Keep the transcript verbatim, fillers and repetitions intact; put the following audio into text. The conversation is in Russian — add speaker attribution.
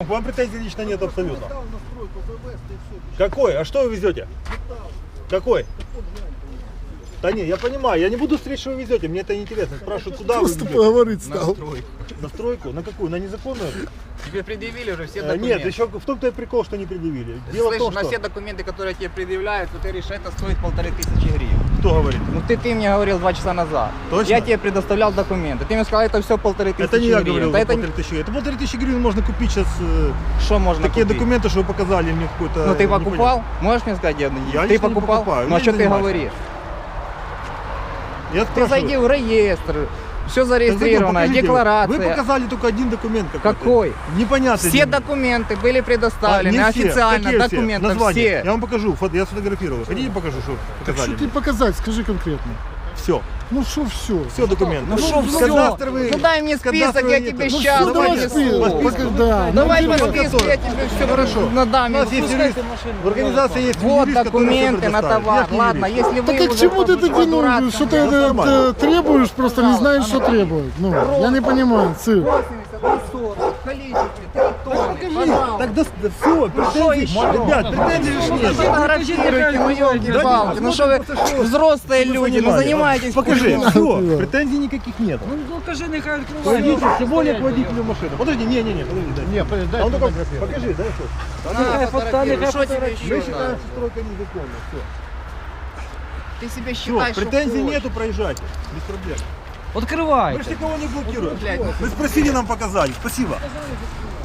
Speaker 1: К вам претензий лично нет абсолютно. Какой? А что вы везете? Какой? Да не, я понимаю, я не буду смотреть, что вы везете, мне это не интересно. Спрашивают, куда
Speaker 2: Просто
Speaker 1: вы
Speaker 2: поговорить стал.
Speaker 3: На стройку.
Speaker 1: На стройку? На какую? На незаконную?
Speaker 3: Тебе предъявили уже все
Speaker 1: А,
Speaker 3: документы.
Speaker 1: нет, еще в том-то и прикол, что не предъявили. Дело
Speaker 3: Слышь,
Speaker 1: в том,
Speaker 3: на
Speaker 1: что...
Speaker 3: все документы, которые тебе предъявляют, то ты решишь, это стоит полторы тысячи гривен.
Speaker 1: Кто говорит?
Speaker 3: Ну ты, ты мне говорил два часа назад.
Speaker 1: Точно?
Speaker 3: Я тебе предоставлял документы. Ты мне сказал, это все полторы тысячи
Speaker 1: Это не я
Speaker 3: гривен.
Speaker 1: говорил,
Speaker 3: Да
Speaker 1: за
Speaker 3: это
Speaker 1: полторы тысячи гривен. Это полторы тысячи гривен можно купить сейчас. э,
Speaker 3: что можно
Speaker 1: Такие
Speaker 3: купить?
Speaker 1: документы, что вы показали мне какой-то...
Speaker 3: Ну ты покупал?
Speaker 1: непонятно.
Speaker 3: Можешь мне сказать, я,
Speaker 1: Я
Speaker 3: ты
Speaker 1: ничего не
Speaker 3: покупал?
Speaker 1: покупаю,
Speaker 3: Ну а
Speaker 1: я
Speaker 3: что
Speaker 1: не
Speaker 3: ты
Speaker 1: занимаюсь.
Speaker 3: говоришь?
Speaker 1: Я
Speaker 3: Ты
Speaker 1: спрашиваю.
Speaker 3: зайди в реестр, все
Speaker 1: Так зачем?
Speaker 3: зарегистрировано,
Speaker 1: Покажите.
Speaker 3: декларация.
Speaker 1: Вы показали только один документ какой-то.
Speaker 3: Какой?
Speaker 1: Непонятный.
Speaker 3: Все документы были предоставлены,
Speaker 1: А, не все.
Speaker 3: официально,
Speaker 1: Какие все?
Speaker 3: документы
Speaker 1: Название.
Speaker 3: все.
Speaker 1: Я вам покажу, фото, я сфотографировал. Хотите покажу, что
Speaker 2: Так
Speaker 1: показали?
Speaker 2: что ты показать, скажи конкретно.
Speaker 1: Все.
Speaker 2: Ну что все?
Speaker 1: Все документы.
Speaker 3: Ну что все?
Speaker 1: Кадастровые-
Speaker 3: Ну дай мне список, я
Speaker 1: кадастровые
Speaker 3: тебе
Speaker 1: нет. Ну
Speaker 3: сейчас
Speaker 1: всё, давайте
Speaker 3: принесу.
Speaker 1: список.
Speaker 2: спи- пока- да.
Speaker 3: Давай
Speaker 2: Ну,
Speaker 3: по
Speaker 2: типа,
Speaker 3: списку, я тебе все хорошо. Ну да,
Speaker 1: У нас есть юрист. В организации есть
Speaker 3: Вот
Speaker 1: юрист, который
Speaker 3: документы
Speaker 1: всё
Speaker 3: на
Speaker 1: предоставит.
Speaker 3: товар.
Speaker 1: Я ж не
Speaker 3: Ладно,
Speaker 1: юрист.
Speaker 3: если вы
Speaker 2: Так а к
Speaker 3: уже
Speaker 2: чему ты
Speaker 3: по-
Speaker 2: это
Speaker 3: по
Speaker 2: ну,
Speaker 3: дурацкому-
Speaker 2: что ты это,
Speaker 1: нормально.
Speaker 2: это требуешь, просто не знаешь, что требует. Ну, я не понимаю, цирк.
Speaker 3: восемьдесят на сорок в количестве три тонны, пожалуйста.
Speaker 1: Так да, да все, претензий,
Speaker 3: еще?
Speaker 1: ребят, претензий же ж нет.
Speaker 3: Фотографируйте, ну елки-палки, ну что вы взрослые люди, ну занимаетесь.
Speaker 1: Покажи,
Speaker 3: хуйней.
Speaker 1: все, претензий никаких нет.
Speaker 4: Ну кажи, нехай відкриває.
Speaker 1: Пойдите, тем более к водителю машины. Подожди, не, не, не, подожди, дай.
Speaker 2: Не, дай
Speaker 1: А он только, покажи, дай что.
Speaker 3: На, фотографируй, что тебе
Speaker 1: Мы
Speaker 3: еще
Speaker 1: считаем,
Speaker 3: надо?
Speaker 1: что стройка незаконна, все.
Speaker 3: Ты себе
Speaker 1: Все,
Speaker 3: считаешь, что
Speaker 1: претензий
Speaker 3: хочешь.
Speaker 1: нету, проезжайте, без проблем. Мы
Speaker 4: Відкривай.
Speaker 1: же никого не блокируем.
Speaker 3: Блядь, ну
Speaker 1: Вы спросили, нам показали, спасибо.